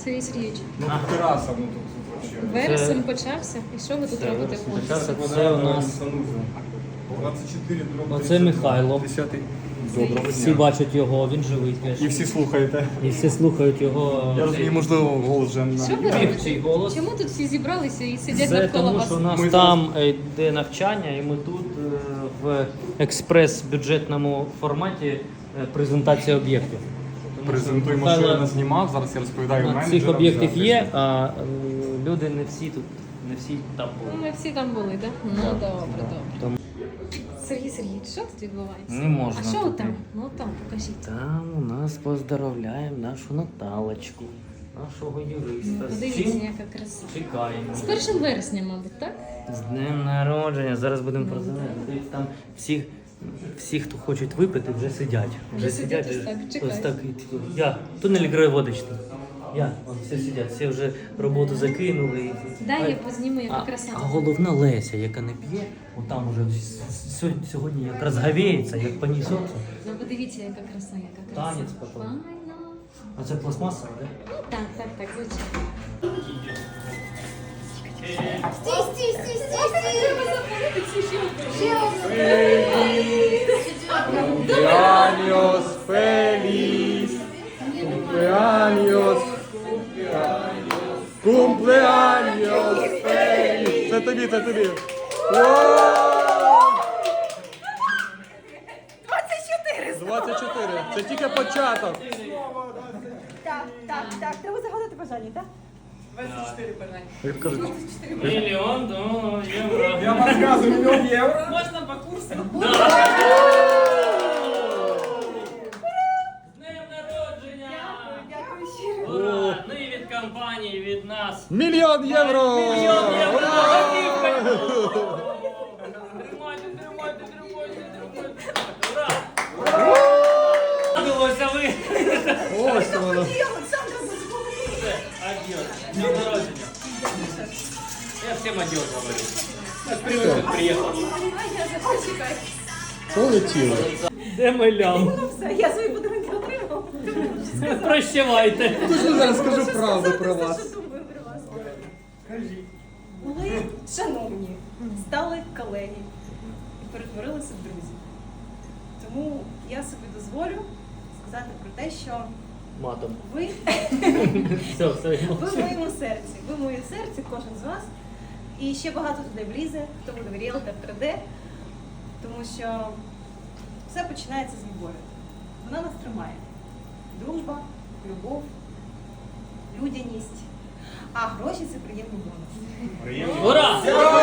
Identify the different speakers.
Speaker 1: Сергій Сергійович,
Speaker 2: Ну, тераса, ну тут вообще.
Speaker 1: вересень почався. І що ви тут робите?
Speaker 3: Це у нас
Speaker 2: 24 дроби.
Speaker 3: Оце Михайло.
Speaker 2: 10-й. Доброго
Speaker 3: Всі
Speaker 2: дня.
Speaker 3: бачать його, він живий теж.
Speaker 2: І всі слухаєте.
Speaker 3: І всі слухають його.
Speaker 2: Я розумію, можливо, голос вже
Speaker 1: Що ви
Speaker 3: Півчий
Speaker 1: робите?
Speaker 3: голос.
Speaker 1: Чому тут всі зібралися і сидять
Speaker 3: Це
Speaker 1: навколо
Speaker 3: тому,
Speaker 1: вас?
Speaker 3: що у нас
Speaker 2: Ми
Speaker 3: там йде навчання, і ми тут в експрес-бюджетному форматі презентація об'єктів. Тому що
Speaker 2: презентуємо, що я не знімав. Зараз я розповідаю менеджерам.
Speaker 3: цих об'єктів
Speaker 2: за
Speaker 3: є,
Speaker 2: те,
Speaker 3: а люди не всі тут, не всі там
Speaker 1: Ну,
Speaker 3: були.
Speaker 1: ми всі там були, так? Ну,
Speaker 3: Так,
Speaker 1: добре,
Speaker 3: так.
Speaker 1: добре.
Speaker 3: Тому
Speaker 1: Сергій Сергійович, що тут відбувається?
Speaker 3: не можна.
Speaker 1: А що
Speaker 3: тут.
Speaker 1: там? Ну там, покажіть.
Speaker 3: Там у нас поздравляємо нашу Наталочку, нашого юриста. З
Speaker 1: Подивіться,
Speaker 3: чим
Speaker 1: яка краса.
Speaker 3: чекаємо.
Speaker 1: З 1 вересня, мабуть, так?
Speaker 3: З днем народження. Зараз будемо презентувати. Там всі, хто хочуть випити, вже сидять.
Speaker 1: Вже сидять, ось так, чекають.
Speaker 3: Ось так. Я. Тунель водичний. Вон, всі сидять, всі вже роботу закинули.
Speaker 1: Дай я позніму, яка
Speaker 3: А
Speaker 1: краса.
Speaker 3: головна Леся, яка не п'є, отам уже сьогодні якраз говіється, як понесеться.
Speaker 1: Ну подивіться, яка краса, яка краса.
Speaker 3: Танець потім.
Speaker 1: Файно.
Speaker 3: А це пластмаса, так?
Speaker 1: Ну так, звичайно.
Speaker 2: Cumpleaños feliz. Cumpleaños. Cumpleaños feliz. Це тобі, це тобі. 24. Це тільки початок.
Speaker 4: Так, треба загадати бажання, так?
Speaker 2: Як кажуть,
Speaker 3: Мільйон євро.
Speaker 2: я вам розказую, $1 000 000.
Speaker 4: Можна по курсу?
Speaker 3: З днем народження!
Speaker 4: Дякую щиро.
Speaker 3: Ура! Ну і від компанії, від нас.
Speaker 2: $1 000 000.
Speaker 3: Мільйон євро!
Speaker 2: Ура!
Speaker 3: Тримайте. Ура! Радилося ви!
Speaker 2: Ось воно.
Speaker 3: Адьос. З днем народження. Я всім адьос говорю. Так привык, приїхав.
Speaker 2: Полетіло.
Speaker 3: Де Милян?
Speaker 4: Ну все, я свої подарунки отримала.
Speaker 3: Прощавайте.
Speaker 2: Дуже зараз скажу правду про
Speaker 4: Все,
Speaker 2: вас.
Speaker 4: що думаю про вас. Були шановні, стали колеги і перетворилися в друзів. Тому я собі дозволю сказати про те, що
Speaker 3: Матом.
Speaker 4: ви
Speaker 3: Все.
Speaker 4: Ви в моєму серці, ви в моєму серці, кожен з вас. І ще багато туди влізе, хто буде в Ріелтор 3D, тому що все починається з любові. Вона нас тримає. Дружба, любов, людяність. А гроші це приємний бонус.
Speaker 3: Ура!